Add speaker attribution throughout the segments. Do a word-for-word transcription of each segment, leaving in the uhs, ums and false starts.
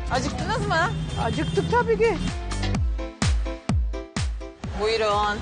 Speaker 1: Acıktınız mı?
Speaker 2: Acıktık tabii ki.
Speaker 1: Buyurun.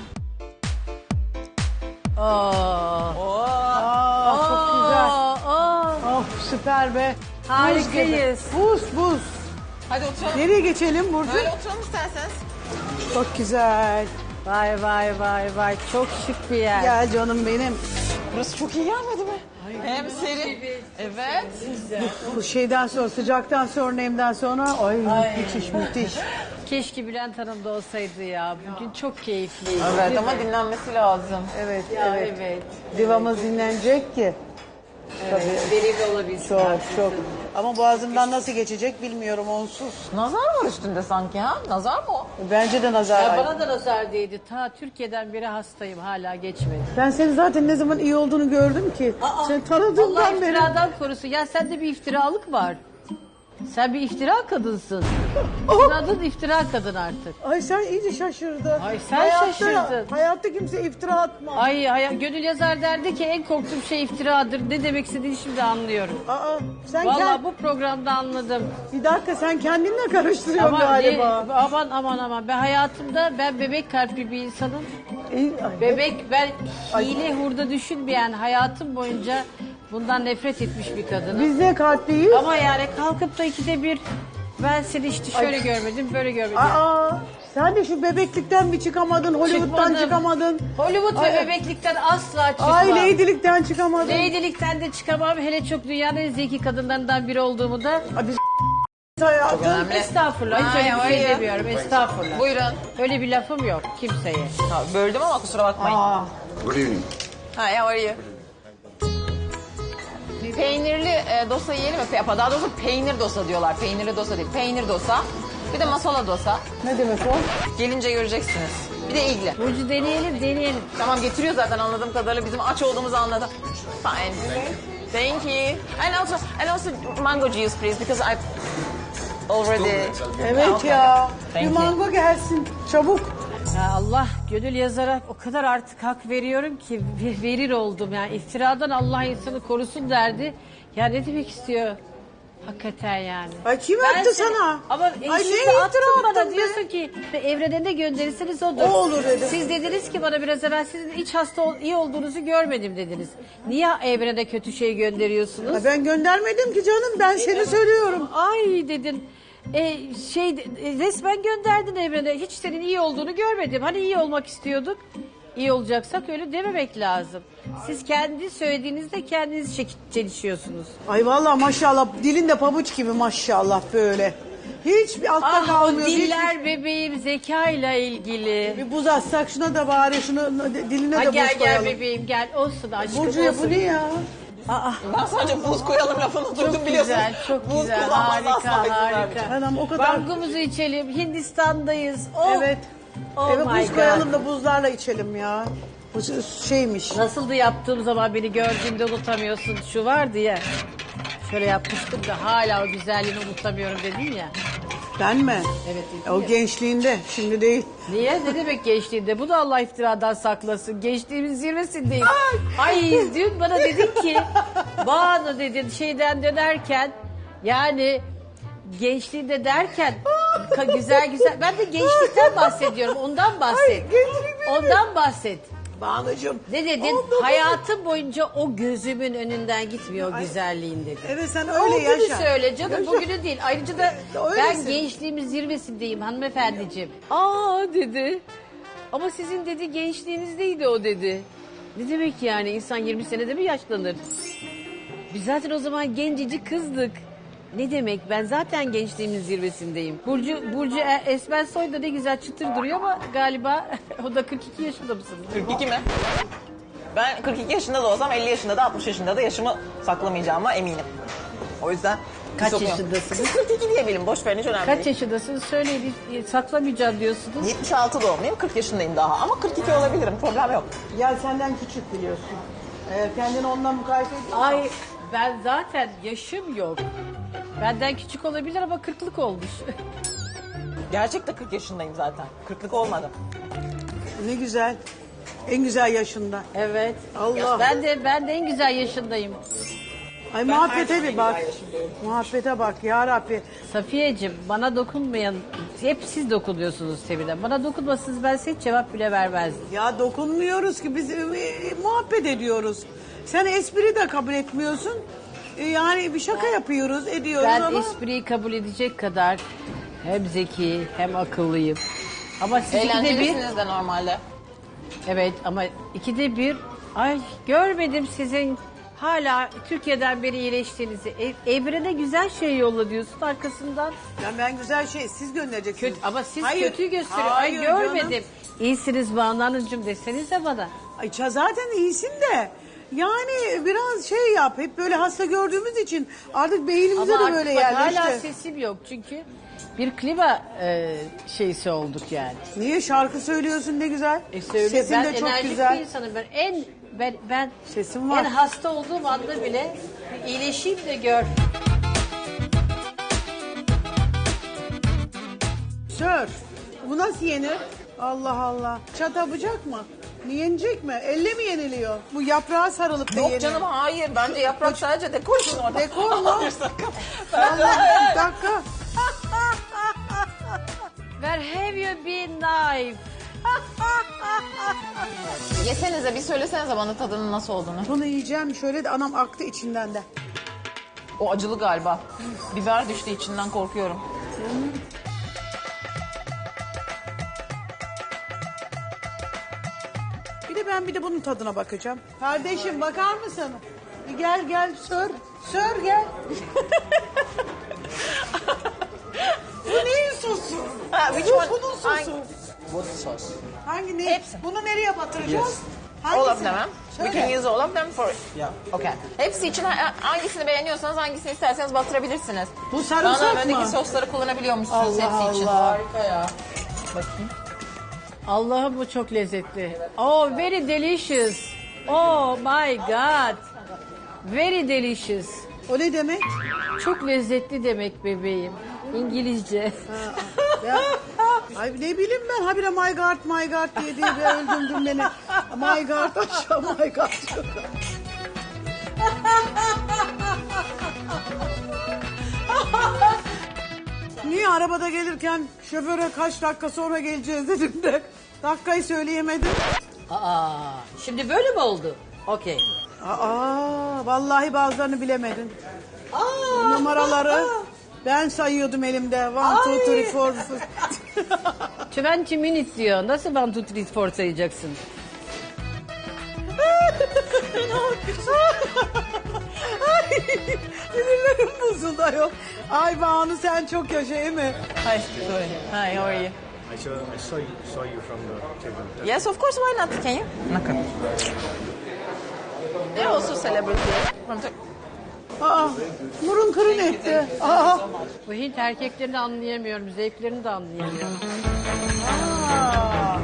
Speaker 2: Aa,
Speaker 1: Oo.
Speaker 2: aa, çok güzel.
Speaker 3: Aa,
Speaker 2: Of süper be.
Speaker 3: harikayız.
Speaker 2: Buz buz.
Speaker 1: Hadi oturalım.
Speaker 2: Nereye geçelim Burcu?
Speaker 1: Böyle oturalım isterseniz.
Speaker 2: Çok güzel.
Speaker 3: Vay vay vay vay. Çok şık bir yer.
Speaker 2: Gel canım benim.
Speaker 1: Burası çok iyi gelmedi mi? Hem serin. Evet.
Speaker 2: Bu şeyden sonra, sıcaktan sonra, nemden sonra ay, müthiş müthiş.
Speaker 3: Keşke Bülent Hanım da olsaydı ya. Bugün çok keyifliydi.
Speaker 1: Evet ama dinlenmesi lazım.
Speaker 2: Evet,
Speaker 3: Ya,
Speaker 2: evet.
Speaker 3: evet.
Speaker 2: Divamız dinlenecek ki.
Speaker 3: Evet. Verimli olabilsin.
Speaker 2: Çok çok. Ama boğazımdan nasıl geçecek bilmiyorum onsuz.
Speaker 1: Nazar var üstünde sanki ha? Nazar mı o?
Speaker 2: Bence de nazar
Speaker 3: Ya
Speaker 2: var.
Speaker 3: bana da nazar değdi. Ta Türkiye'den beri hastayım. Hala geçmedi.
Speaker 2: Ben senin zaten ne zaman iyi olduğunu gördüm ki. Sen
Speaker 3: Allah
Speaker 2: tanıdığımdan beri.
Speaker 3: iftiradan korusun. Ya sende bir iftiralık var. Sen bir iftira kadınsın.
Speaker 2: Oh!
Speaker 3: Senin adın iftira kadın artık.
Speaker 2: Ay sen iyice şaşırdın.
Speaker 3: Ay sen
Speaker 2: Hayatta-
Speaker 3: şaşırdın.
Speaker 2: Hayatta kimse iftira atma.
Speaker 3: Ay, ay gönül yazar derdi ki en korktuğum şey iftiradır. Ne demek istediğini şimdi anlıyorum.
Speaker 2: Aa, sen
Speaker 3: Vallahi
Speaker 2: kend-
Speaker 3: bu programda anladım.
Speaker 2: Bir dakika sen kendinle karıştırıyorsun
Speaker 3: Ama
Speaker 2: galiba.
Speaker 3: ne- aman aman aman ben hayatımda ben bebek kalpli bir insanım.
Speaker 2: İyi, ay,
Speaker 3: Bebek ben hile hurda düşünmeyen hayatım boyunca bundan nefret etmiş bir kadınım.
Speaker 2: Biz de kalpliyiz.
Speaker 3: Ama yani kalkıp da ikide bir ben seni işte şöyle görmedim böyle görmedim.
Speaker 2: Aa, sen de şu bebeklikten bir çıkamadın, Hollywood'dan
Speaker 3: Çıkmadım.
Speaker 2: çıkamadın.
Speaker 3: Hollywood
Speaker 2: Ay-
Speaker 3: ve bebeklikten asla çıkmam.
Speaker 2: Ay ladylikten çıkamadın.
Speaker 3: Lady'likten de çıkamam. Hele çok dünyanın en zeki kadınlarından biri olduğumu da.
Speaker 2: Ay, biz hayatım.
Speaker 1: önemli.
Speaker 3: Estağfurullah. Hiç öyle bir
Speaker 1: Ay,
Speaker 3: şey
Speaker 1: ay.
Speaker 3: demiyorum. Estağfurullah.
Speaker 1: Buyurun.
Speaker 3: Öyle bir lafım yok kimseye.
Speaker 1: Ha, böldüm ama kusura bakmayın.
Speaker 2: Aa,
Speaker 4: Good evening.
Speaker 1: Ha, how are you? Peynirli e, dosa yiyelim mi? Pe- Daha doğrusu peynir dosa diyorlar. Peynirli dosa değil. Peynir dosa. Bir de masala dosa.
Speaker 2: ne demek o?
Speaker 1: Gelince göreceksiniz. Bir de ilgili.
Speaker 3: Burcu deneyelim deneyelim.
Speaker 1: Tamam getiriyor zaten anladığım kadarıyla. Bizim aç olduğumuzu anladı. Fine. Thank you. And also, and also mango juice please because I already...
Speaker 2: Evet
Speaker 1: Okay.
Speaker 2: ya.
Speaker 1: Thank
Speaker 2: bir
Speaker 1: you.
Speaker 2: mango gelsin. Çabuk.
Speaker 3: Ya Allah gönül yazarak o kadar artık hak veriyorum ki ve- verir oldum. Yani iftiradan Allah insanı korusun derdi. Ya ne demek istiyor? Hakikaten yani.
Speaker 2: Ay kim
Speaker 3: Ben
Speaker 2: attı
Speaker 3: seni-
Speaker 2: sana?
Speaker 3: Ama e,
Speaker 2: Ay
Speaker 3: şimdi
Speaker 2: ne iftira
Speaker 3: attın bana
Speaker 2: attın be?
Speaker 3: diyorsun ki ve evrene ne gönderirseniz odur.
Speaker 2: O olur dedim.
Speaker 3: Siz dediniz ki bana biraz evvel sizin hiç hasta ol- iyi olduğunuzu görmedim dediniz. Niye evrene kötü şey gönderiyorsunuz?
Speaker 2: Ay, ben göndermedim ki canım. Ben seni söylüyorum.
Speaker 3: Ay dedin. E, şey e, resmen gönderdin evrene. Hiç senin iyi olduğunu görmedim. Hani iyi olmak istiyorduk. İyi olacaksak öyle dememek lazım. Siz kendi söylediğinizde kendiniz çek- çelişiyorsunuz.
Speaker 2: Ay vallahi maşallah dilin de pabuç gibi maşallah böyle. Hiç bir altta
Speaker 3: Ah o
Speaker 2: kalmıyor. hiç-
Speaker 3: diller bebeğim zekayla ilgili.
Speaker 2: Bir buz atsak şuna da bari şunu diline
Speaker 3: Ha,
Speaker 2: de
Speaker 3: gel
Speaker 2: buz
Speaker 3: gel
Speaker 2: koyalım.
Speaker 3: bebeğim gel olsun aşkım
Speaker 2: Burcu'ya
Speaker 3: olsun.
Speaker 2: bu ne ya?
Speaker 3: Aa,
Speaker 1: Ben sadece buz koyalım lafını duydum
Speaker 3: çok
Speaker 1: biliyorsun.
Speaker 3: güzel çok
Speaker 1: Buz
Speaker 3: güzel
Speaker 1: kullanmaz
Speaker 3: harika
Speaker 1: asla izin vermeyeceğim.
Speaker 3: harika.
Speaker 2: Anam o kadar.
Speaker 3: Bangumuzu içelim Hindistan'dayız. Oh.
Speaker 2: Evet.
Speaker 3: Oh
Speaker 2: Eve
Speaker 3: my
Speaker 2: buz
Speaker 3: God.
Speaker 2: koyalım da buzlarla içelim ya. Bu şeymiş.
Speaker 3: Nasıldı yaptığım zaman beni gördüğünde unutamıyorsun şu var diye. Şöyle yapmıştım da hala o güzelliğini unutamıyorum dedin ya.
Speaker 2: Ben mi?
Speaker 3: Evet dedin
Speaker 2: O
Speaker 3: ya.
Speaker 2: gençliğinde şimdi değil.
Speaker 3: Niye? Ne demek gençliğinde? Bu da Allah iftiradan saklasın. Gençliğimin zirvesindeyim. Ay dün bana dedin ki Banu dedin şeyden dönerken yani gençliğinde derken ka- güzel güzel ben de gençlikten bahsediyorum. Ondan bahset. Ondan bahset.
Speaker 2: Banucuğum.
Speaker 3: Ne dedin?
Speaker 2: Ondan-
Speaker 3: Hayatım boyunca o gözümün önünden gitmiyor o güzelliğin dedin.
Speaker 2: Evet sen
Speaker 3: O
Speaker 2: öyle
Speaker 3: günü
Speaker 2: yaşa.
Speaker 3: söyle canım
Speaker 2: Yaşa.
Speaker 3: bugünü değil. Ayrıca da
Speaker 2: Öylesin.
Speaker 3: ben gençliğimin zirvesindeyim hanımefendiciğim. Aa dedi. Ama sizin dedi gençliğinizdeydi o dedi. Ne demek yani insan yirmi senede mi yaşlanır? Biz zaten o zaman gencecik kızdık. Ne demek ben zaten gençliğimin zirvesindeyim. Burcu Burcu E- Esmer Soy da ne güzel çıtır duruyor ama galiba o da kırk iki yaşında mısınız?
Speaker 1: kırk iki mi? Ben kırk iki yaşında da olsam elli yaşında da altmış yaşında da yaşımı saklamayacağıma eminim. O yüzden...
Speaker 3: Kaç
Speaker 1: sokuyorum.
Speaker 3: yaşındasınız?
Speaker 1: kırk iki diyebilirim boş verin hiç önemli
Speaker 3: Kaç
Speaker 1: değil.
Speaker 3: yaşındasınız? Söyleyin saklamayacağım diyorsunuz.
Speaker 1: yetmiş altı doğumluyum kırk yaşındayım daha ama kırk iki olabilirim problem yok.
Speaker 2: Ya senden küçük biliyorsun. Eğer kendini ondan mukayese ediyorsan.
Speaker 3: Ay ben zaten yaşım yok. Benden küçük olabilir ama kırklık olmuş.
Speaker 1: Gerçekten kırk yaşındayım zaten. kırklık olmadım.
Speaker 2: Ne güzel. En güzel yaşında.
Speaker 3: Evet.
Speaker 2: Allah.
Speaker 3: Ben de ben de en güzel yaşındayım.
Speaker 2: Ay muhabbete bir bak. Muhabbete bak ya Rabbi.
Speaker 3: Safiyeciğim bana dokunmayan, hep siz dokunuyorsunuz Sevil'e. Bana dokunmasınız ben size hiç cevap bile vermezdim.
Speaker 2: Ya dokunmuyoruz ki biz e, e, muhabbet ediyoruz. Sen espri de kabul etmiyorsun. E, yani bir şaka yapıyoruz, ediyoruz
Speaker 3: Ben
Speaker 2: ama...
Speaker 3: espriyi kabul edecek kadar hem zeki hem akıllıyım. Ama siz ikide bir...
Speaker 1: Eğlencelisiniz de normalde.
Speaker 3: Evet ama ikide bir... Ay görmedim sizin hala Türkiye'den beri iyileştiğinizi. E, Evrene güzel şey yolla diyorsun arkasından.
Speaker 2: Ya ben güzel şey siz göndereceksiniz.
Speaker 3: Kötü, ama siz
Speaker 2: Hayır,
Speaker 3: kötüyü gösteriyor. Ay
Speaker 2: hayır
Speaker 3: görmedim.
Speaker 2: canım.
Speaker 3: İyisiniz Banu Hanımcığım desenize bana.
Speaker 2: Ay ça- zaten iyisin de. Yani biraz şey yap. Hep böyle hasta gördüğümüz için artık beynimize
Speaker 3: Ama
Speaker 2: de böyle
Speaker 3: artık bak,
Speaker 2: yerleşti.
Speaker 3: hala sesim yok çünkü bir klima e, şeysi olduk yani.
Speaker 2: Niye şarkı söylüyorsun ne güzel.
Speaker 3: E söyle,
Speaker 2: Sesin
Speaker 3: ben
Speaker 2: de çok
Speaker 3: enerjik bir
Speaker 2: güzel.
Speaker 3: insanım. Ben en ben, ben
Speaker 2: Sesim var.
Speaker 3: en hasta olduğum anda bile iyileşeyim de gör.
Speaker 2: Sör. Bu nasıl yenir? Allah Allah. Çata bıçak mı? Yenecek mi? Elle mi yeniliyor? Bu yaprağa sarılıp da
Speaker 1: Yok
Speaker 2: yenir.
Speaker 1: canım hayır. Bence yaprak sadece dekor için orada.
Speaker 2: Dekor mu?
Speaker 1: Hayır sakın.
Speaker 2: Allah bir dakika.
Speaker 3: Where have you been knife?
Speaker 1: Yesenize bir söylesenize bana tadının nasıl olduğunu.
Speaker 2: Bunu yiyeceğim şöyle de anam aktı içinden de.
Speaker 1: O acılı galiba. Biber düştü içinden korkuyorum.
Speaker 2: Bir de ben bir de bunun tadına bakacağım. Kardeşim bakar mısın? Bir gel gel sör. Sör gel. Bu neyin sosu?
Speaker 1: Ha, which
Speaker 2: Bu
Speaker 1: one?
Speaker 2: bunun sosu.
Speaker 1: Hangi- What sauce?
Speaker 2: Hangi ne?
Speaker 1: Hepsi.
Speaker 2: Bunu nereye batıracağız?
Speaker 1: Yes. All of
Speaker 2: Hangisini?
Speaker 1: them, huh? We
Speaker 2: Söyle.
Speaker 1: can use all of them for... Yeah. Okay. Hepsi için ha- hangisini beğeniyorsanız hangisini isterseniz batırabilirsiniz.
Speaker 2: Bu sarımsak
Speaker 1: Bana
Speaker 2: mı?
Speaker 1: öndeki sosları kullanabiliyormuşsunuz
Speaker 2: Allah
Speaker 1: hepsi için.
Speaker 2: Allah.
Speaker 1: Harika ya. Bakayım.
Speaker 3: Allah'ım bu çok lezzetli. Oh very delicious. Oh my god. Very delicious.
Speaker 2: O ne demek?
Speaker 3: Çok lezzetli demek bebeğim. İngilizce.
Speaker 2: Ya, ay ne bileyim ben habire my god my god diye diye bir öldürdün beni. My god aşağı my god. Niye arabada gelirken şoföre kaç dakika sonra geleceğiz dedim de dakikayı söyleyemedim.
Speaker 3: Aa, şimdi böyle mi oldu? Okey.
Speaker 2: Aa, vallahi bazılarını bilemedin. Numaraları ben sayıyordum elimde. One, two, three, four.
Speaker 3: yirmi minute diyor. Nasıl one, two, three, four sayacaksın?
Speaker 2: Ay, sinirlerim bozuldu ayol. Ay Banu sen çok yaşa değil mi?
Speaker 1: Hi, sorry. Hi, how are you?
Speaker 4: I saw, I saw you, saw you from the table.
Speaker 1: Yes, of course, why not? Can you? Okay. They're also celebrity. From Tur-
Speaker 2: Aa, burun kırın etti. Aa,
Speaker 3: Bu Hint erkeklerini anlayamıyorum. Zevklerini de anlayamıyorum.
Speaker 2: aa.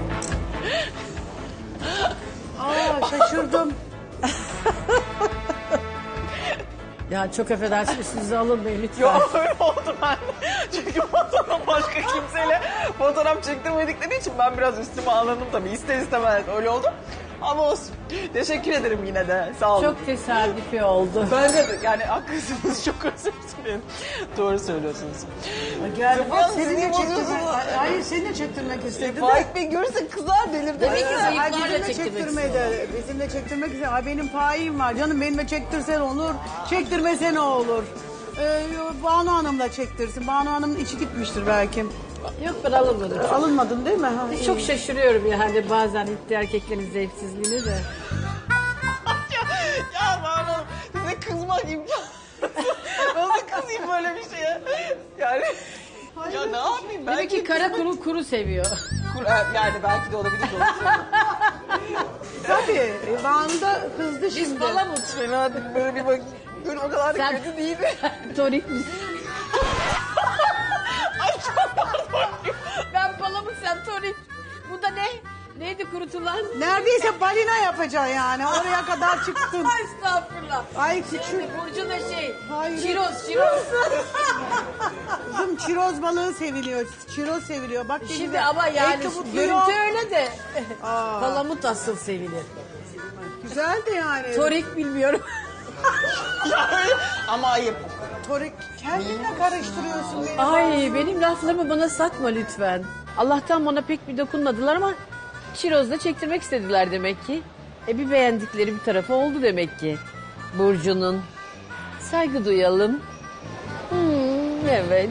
Speaker 2: Aa, şaşırdım.
Speaker 3: Ya çok affedersiniz sizi alınmayın lütfen.
Speaker 1: Yok öyle oldu ben. Çünkü fotoğraf başka kimseyle fotoğraf çektirmedikleri için ben biraz üstüme alındım tabii. İster istemez öyle oldu. Ama olsun. Teşekkür ederim yine de. Sağ olun.
Speaker 3: Çok tesadüfi oldu.
Speaker 1: Bence de yani haklısınız. Çok özür dilerim. Doğru söylüyorsunuz.
Speaker 2: Gel bak
Speaker 1: Yalnız
Speaker 2: seni de
Speaker 1: sinir
Speaker 2: çektirmek.
Speaker 1: bozuyorsunuz.
Speaker 2: Hayır seni de çektirmek istedi de.
Speaker 1: Faik Bey görürse kızar delirdi.
Speaker 3: Demek ki
Speaker 2: Ay,
Speaker 3: zayıflarla
Speaker 2: bizimle
Speaker 3: çektirmek
Speaker 2: çektirmedi. Bizimle çektirmek istedi. Ay benim faim var. Canım benimle çektirsen olur. Çektirmese ne olur? Ee, Banu Hanım'la çektirsin. Banu Hanım'ın içi gitmiştir belki.
Speaker 3: Yok ben alınmadım.
Speaker 2: Alınmadın değil mi? Ha, iyi.
Speaker 3: Çok şaşırıyorum yani bazen Hint erkeklerin zevksizliğini de.
Speaker 1: ya, ya bana size kızmak imkanı. Nasıl kızayım böyle bir şeye? Yani ya ne yapayım ben?
Speaker 3: Demek ki kara kuru kuru seviyor.
Speaker 1: Yani belki de olabilir. Doğru söylüyorsun.
Speaker 2: Tabii. E, Banu da kızdı
Speaker 3: Biz
Speaker 2: şimdi.
Speaker 3: palamut.
Speaker 1: Fena değil, böyle bir bak. Dur o kadar da
Speaker 3: Sen-
Speaker 1: kötü değildi.
Speaker 3: Torik misin?
Speaker 1: Ay çok pardon.
Speaker 3: Ben palamut sen torik. Bu da ne? Neydi kurutulan?
Speaker 2: Neredeyse balina yapacaksın yani. Oraya kadar çıktın.
Speaker 3: Estağfurullah.
Speaker 2: Ay küçük.
Speaker 3: Şimdi Burcu da şey.
Speaker 2: Hayır.
Speaker 3: Çiroz, çiroz.
Speaker 2: Kızım çiroz balığı seviliyor. Çiroz seviliyor. Bak
Speaker 3: Şimdi
Speaker 2: denize
Speaker 3: ama yani
Speaker 2: ekli mutlu
Speaker 3: görüntü
Speaker 2: yok.
Speaker 3: öyle de.
Speaker 2: Aa.
Speaker 3: Palamut asıl sevilir.
Speaker 2: Güzel de yani.
Speaker 3: Torik bilmiyorum.
Speaker 1: Ya öyle ama ayıp.
Speaker 2: Torik kendinle karıştırıyorsun beni.
Speaker 3: Ay benim laflarımı bana satma lütfen. Allah'tan bana pek bir dokunmadılar ama çirozda çektirmek istediler demek ki. E bir beğendikleri bir tarafı oldu demek ki. Burcu'nun. Saygı duyalım. Hmm, evet.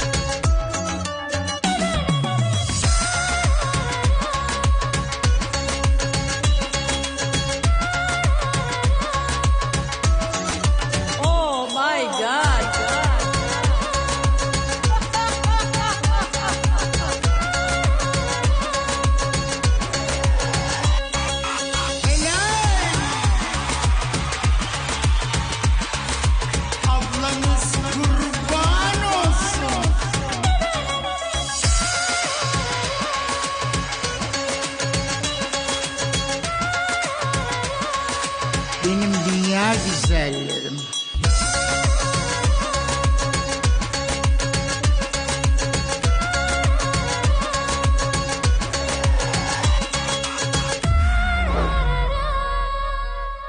Speaker 3: Oh my God.
Speaker 5: Ablanız kurban olsun. Benim dünya güzelleri.